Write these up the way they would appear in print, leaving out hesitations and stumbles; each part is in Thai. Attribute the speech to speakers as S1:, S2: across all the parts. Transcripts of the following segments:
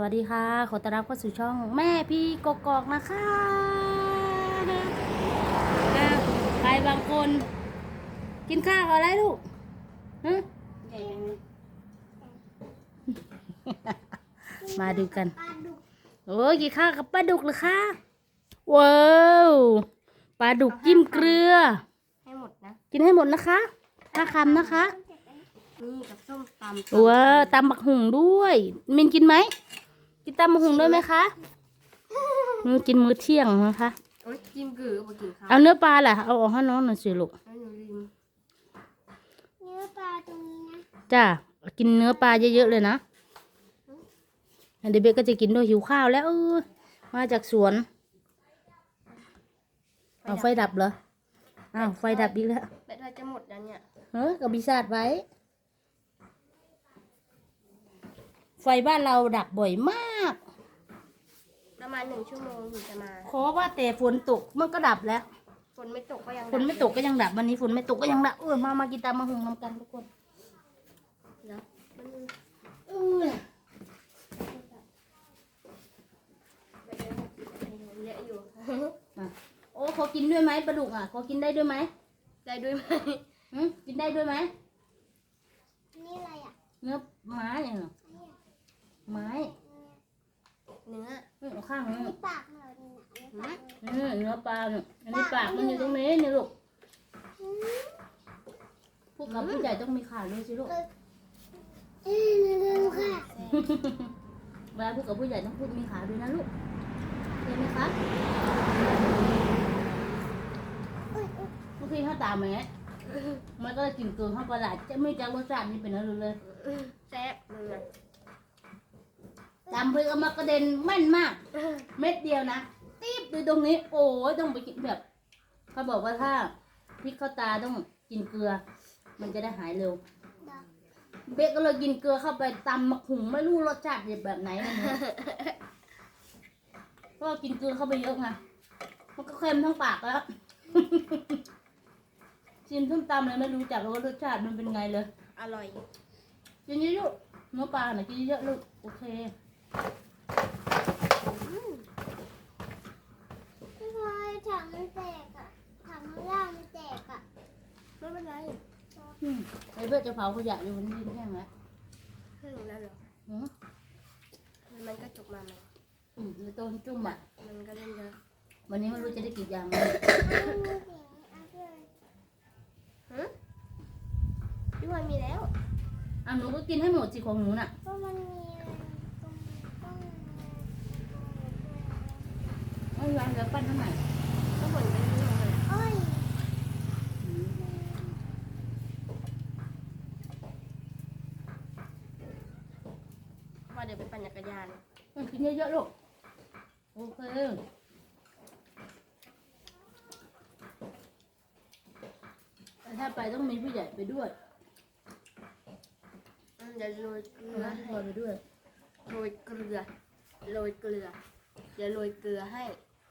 S1: วัสดีค่ะขอต้อนรับเข้าสู่ช่องแม่พี่กกอกนะคะใครบางคนกินข้าวอะไรลูกฮะมาดูกันโอ้ยกินข้าวกับปลาดุกเหรอคะว้าวปลาดุกจิ้มเกลือ
S2: ให้หมดนะ
S1: กินให้หมดนะคะ5 คำนะคะ
S2: นี่กับส้มตำ
S1: ว้าวตำบักหุ่งด้วยมินกินไหมกินตำบักหุ่งด้วยไหมคะกินมื้อเที่ยงนะคะ
S2: โอ๊ยจิ้มกือมากินข้าว
S1: เอาเนื้อปลาล่ะเอาออกให้น้องหน่อยสิลูก
S2: ให้หนูลืม
S3: เนื้อปลาตรงนี้นะ
S1: จ้ากินเนื้อปลาเยอะๆเลยนะเดี๋ยวเบกก็จะกินด้วยหิวข้าวแล้วมาจากสวนเอาไฟดับเหรออ้าวไฟดับอีกแล้ว
S2: แบตเราจะหมดแล้วเนี่ย
S1: กับบิซาดไว้ไฟบ้านเราดับบ่อยมาก
S2: ประมาณ1 ชั่วโมงถึงจะมา
S1: ขอว่าแต่ฝนตกมันก็ดับแล้ว
S2: ฝนไม่ตกก็ยัง
S1: ฝนไม่ตกก็ยังดับวันนี้ฝนไม่ตกก็ยังดับมากินตามมาหุงน้ำกันทุกคน
S2: แล้วเยอะอยู่
S1: โอ้ขอกินด้วยไหมปลาดุกขอกินได้ด้วยไหม
S2: ได้ด้วยไหม
S1: กินได้ด้วยไหม
S3: นี่อะไรอ่ะ
S1: เนื้อไม้อย่างเหรอไม้
S2: เนื้อ
S1: ข้างนี้
S3: ปากเหรอ
S1: เนื้อปลาเนี่ยอันนี้ปากมันอยู่ตรงนี้นี่ลูกพวกเราผู้ใหญ่ต้องมีขาด้วยสิลูก
S3: ดูค่ะ
S1: เวลาพูดกับผู้ใหญ่ต้องพูดมีขาด้วยนะลูกเห็นไหมคะบางทีถ้าตามแม่มันก็จะกินเกินข้าวปลาจะไม่จักรสชาตินี่เป็นอะไรเลย
S2: แซ่บเลย
S1: ตามเพื่อมากระเด็นแม่นมากเม็ดเดียวนะตีบดูตรงนี้โอ้ยต้องไปกินแบบเขาบอกว่าถ้าพริกเข้าตาต้องกินเกลือมันจะได้หายเร็วเบ๊กก็เลยกินเกลือเข้าไปตำมะขุ่งไม่รู้รสชาติแบบไหนนะเพราะกินเกลือเข้าไปเยอะไงมันก็เค็มทั้งปากแล้วชิมส้มตำเลยไม่รู้จักว่ารสชาติมันเป็นไงเลย
S2: อร่อย
S1: กินเยอะๆเนื้อปลาหน่อยกินเยอะลูกโอเค
S3: พี่พลอยถังมันแตกอ่ะถังข้างล่างมันแตกอ่ะ
S2: ไม่เป็นไร
S1: ไอ้เพื่อจะเผาขยะอยู่มันดิ้นแห้งแล้ว
S2: แห้งแล้วเหรอมันก็จบมาไหม
S1: แล้วต้นจุ่ม
S2: มันก็เล่นเยอะ
S1: วันนี้ไม่รู้จะได้กี่อย่าง
S2: พี่พลอยมีแล้ว
S1: หนูก็กินให้หมดสิของหนูน่ะ
S3: ก็มันมี
S1: ร้านแล้วปั้นเท่าไหร่
S2: ก็เหมือนกันเลยว่าเดี๋ยวไปปั่นจักรยาน
S1: กินเยอะๆลูกโอเคถ้าไปต้องมีผู้ใหญ่ไปด้วย
S2: เดี๋ยวโรยเกลือ
S1: ให้ไปด้วย
S2: โรยเกลือเดี๋ยวโรยเกลือให้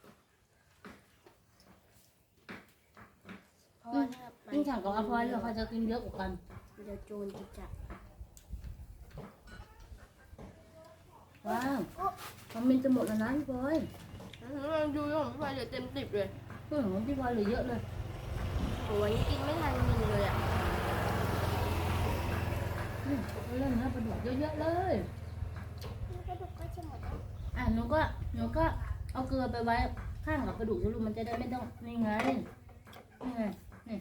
S2: เพราะว่า
S1: กินแข่งกับอาพอยเราจะกินเยอะกว่ากัน
S2: เดี๋ยวโจรจะจับ
S1: ว้าวมันมินจะหมดแล้วนะพี่พลอย
S2: ดูของพี่พลอยเหลือเต็ม10เลย
S1: ของพี่พลอยเหลือเยอะเลย
S2: โอ้ยกินไม่ทันมินเลยอ่ะ
S1: เล่นนะปลาดุกเยอะๆเลย
S3: ปลาดุกก็จะหมด
S1: หนูก็เอาเกลือไปไว้ข้างกับปลาดุกลูกมันจะได้ไม่ต้องนี่ไงนี่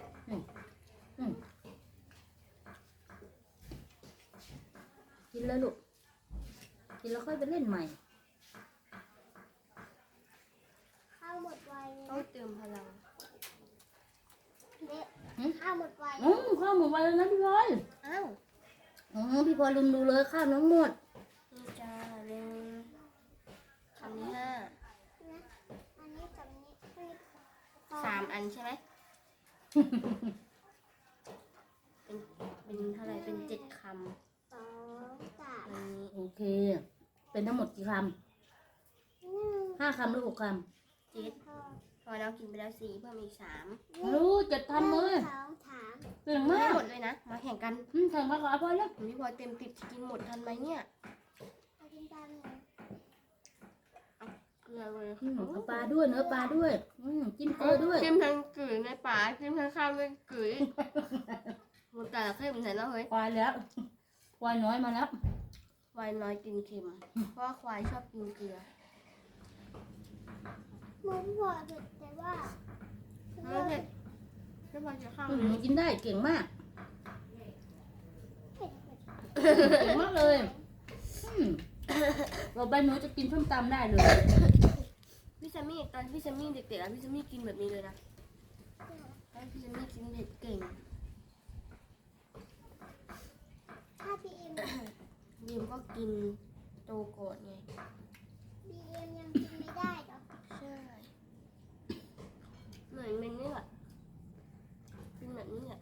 S1: กินแล้วลูกกินแล้วค่อยไปเล่นใหม่
S3: ข้าวหมดไว
S2: ต้องเติมพลัง
S3: ข้าวหมดไว
S1: ข้าวหมดไวแล้วนะพี่พลอยพี่พลอยลืมดูเลยข้าวน้องหมด
S2: นี่จ้าเร็วคำที่5
S3: อันนี้กับนี้
S2: 3 อันใช่ไหมเป็นเท่าไรเป็น7 คำ
S3: 2 3
S2: อันนี้
S1: โอเคเป็นทั้งหมดกี่คำ5 คำหรือ6 คำ
S2: 7พอเรากินไปแล้ว4เพิ่มอีก3
S1: รู้7 คำเลยเก่งมาก
S2: หมดเลยนะมาแข่งกัน
S1: แข่งมาก่อนพอแล้ว
S2: พี่พลอยเต็ม10กินหมดทันไหมเนี่ย
S3: นตามหนู
S2: เกลือเลย
S1: เอาปลาด้วยเนื้อปลาด้วยจิ้มเกลือด้วย
S2: จิ้มทั้งกลืนในป่าจิ้มทั้งข้าวในกลืนมันแต่ละเข้มใส่แล้วเฮ้ย
S1: ควายแล้วควายน้อยมาแล้ว
S2: ควายน้อยกินเค็มเพราะว่าควายชอบกินเกลือ
S3: หมูพอเผ็ดแต่ว่า
S2: ไม่เผ็ดแค่พอจะข้าว
S1: หนูกินได้เก่งมาก
S3: เผ็ด
S1: เก่งมากเลยเราใบหนูจะกินส้มตำได้เลย
S2: พี่แซมมี่ตอนพี่แซมมี่เด็กๆอะพี่แซมมี่กินแบบนี้เลยนะตอนพี่แซมมี่กินเผ็ดเก่ง
S3: ถ้าพี่เอ็ม
S2: บีมก็กินโตก่อนไง
S3: พี่เอ็มยังกินไม่ได้เหรอ
S2: ใช่เหมือนมันนี่แหละกินแบบนี้แหละ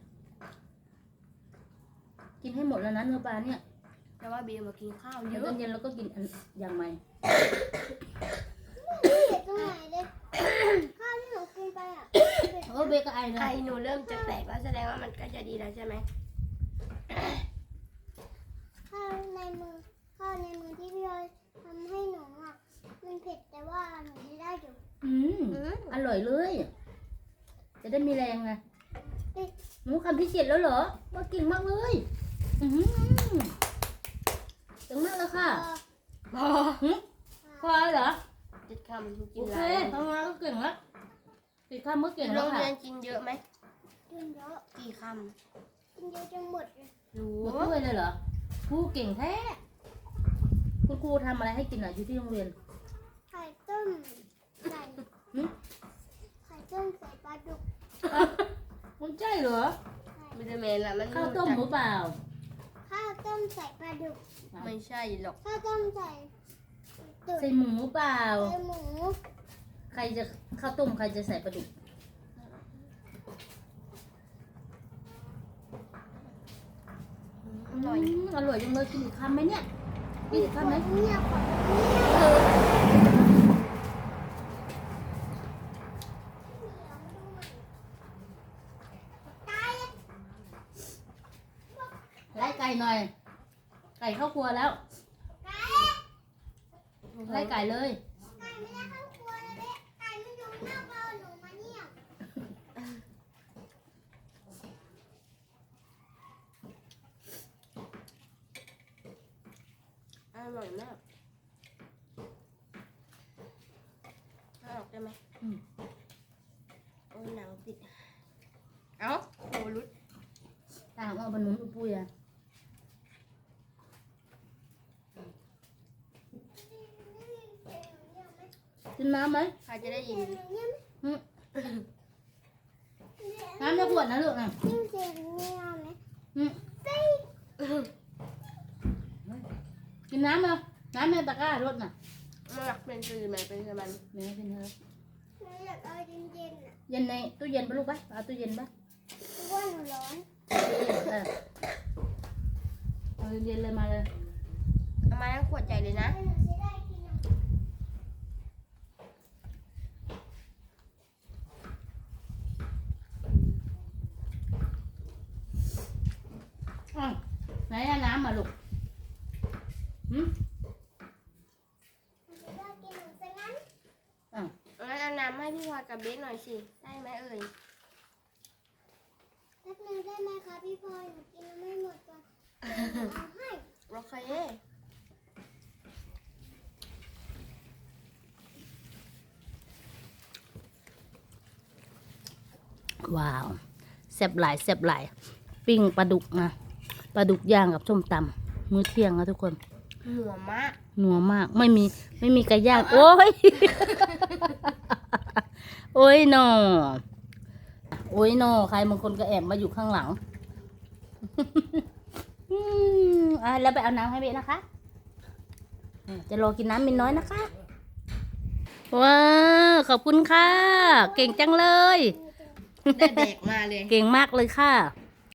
S1: กินให้หมดแล้วนะเนื้อปลาเนี่ย
S2: แต่ว่าบีมมากินข้าวเย
S1: เดี๋ยว
S2: อะ
S1: ตอนเย็นเราก็กินอันอย่างใหม่
S3: ไม่เผ็ดตรงไหนเลยข้าวที่หนูกินไปอ่ะเผ็ด
S1: โอ้เบก็ไอนะ
S2: ไอหนูเริ่มจะแตกแล้วแสดงว่ามันก็จะดีแล้วใช่ไหม
S3: ข้าวในมือที่พี่เอ๋ทำให้หนูอ่ะมันเผ็ดแต่ว่าหนูไม่ได้อยู่
S1: อร่อยเลย จะได้มีแรงไง
S3: เอ๊ะ
S1: หนูคำที่เจ็ดแล้วเหรอว่าเก่งมากเลยเก่งมากแล้วค่ะ
S2: พอ
S1: พอเหรอ
S2: จิตคำกิ
S1: โอน เค
S2: หลาย
S1: ทำงานก็เก่งแล้วติดคำก็เก่ง
S2: โร
S1: แล้ว
S2: ง
S1: ค่ะ
S2: เรียนกินเยอะไหม
S3: กินเยอะ
S2: กี่ค
S3: กินเยอะจนหมดเลย
S2: ำรู้
S1: หมดถ้วยเลยเหรอครูเก่งแท้คุณครูทำอะไรให้กินอ่ะอยู่ที่โรงเรียน
S3: ไข่ต้มใส่
S1: หึ
S3: ไข่ต้มใส่ปลาดุก
S1: มันใช่เหรอ
S2: ไม่ได้เมนละมัน
S1: ข้าวต้มหรือเปล่า
S3: ข้าวต้มใส่ปลาดุก
S2: ไม่ใช่หรอก
S3: ข้าวต้มใส่ตุ๋น
S1: ใส่หมูเปล่า
S3: ใส่หมู
S1: ใครจะข้าวต้มใครจะใส่ปลาดุก
S2: อร่อย
S1: อร่อยจังเลยกินอีกคำไหมเนี่ยกินอีกคำไหม
S3: เงียบก่อนตาย
S1: ไล่ไก่หน่อย ไก่เข้าครัวแล้ว
S3: ไก่
S1: ไล่ไก่เลย
S3: ไก่ไม่ได้เข้าครัวเลยเนี่ยไก่มันอยู่หน้าบ้านหนูมาเนี่ย
S2: อร่อยมากเอาออกได้ไหมโอ้ยหนังติด เอ้าโหรุด
S1: ตามเอาบรรนุนอุปุยอ่ะกินน้ำไหม
S2: ใครจะได้ยิน
S1: น้ำในขวดนะลูกอ่ะ
S3: ยิ่งเสียงเงียบไหม
S1: กินน้ำเอาน้ำในตะกร้ารถน่ะ
S2: มันหลักเป็นคือมันเป็นคือมัน
S1: แม่กินเถอะ
S3: หนูอยากเอาเย็นๆอ่ะ
S1: เย็นในตู้เย็นปะลูกปะเอาตู้เย็นปะ
S3: เพราะว่าหนูร้อน
S1: เออเอาเย็นๆเลยมาเลย
S2: เอามาทั้งขวดใหญ่เลยนะ
S3: แล้วหนูจะได้กินอ่ะ
S1: อ้าวไหนอะน้ำมาลูกหืม
S3: หนูจะได้กินหนูซะงั้น
S1: อ้าว
S2: งั้นเอาน้ำให้พี่พลอยกับเบสหน่อยสิ ได้ไหมเอ่ย
S3: แป๊บนึงได้ไหมคะพี่พลอยหนูกินแล้วไม่หมดก่อนหนูเอาให้
S2: โอเค
S1: ว้าวแซ่บหลายแซ่บหลายปิ้งปลาดุกนะปลาดุกย่างกับส้มตำมื้อเที่ยงนะทุกคน
S2: หัวมาก
S1: นัวมากไม่มีไก่ย่างโอ้ย โอ้ยหนอโอ้ยหนอใครบางคนก็แอบมาอยู่ข้างหลัง แล้วไปเอาน้ำให้เบะนะคะจะรอกินน้ำมินน้อยนะคะว้าวขอบคุณค่ะ เก่งจังเลย
S2: ได้แบกมาเลย
S1: เก่งมากเลยค่ะ
S3: ห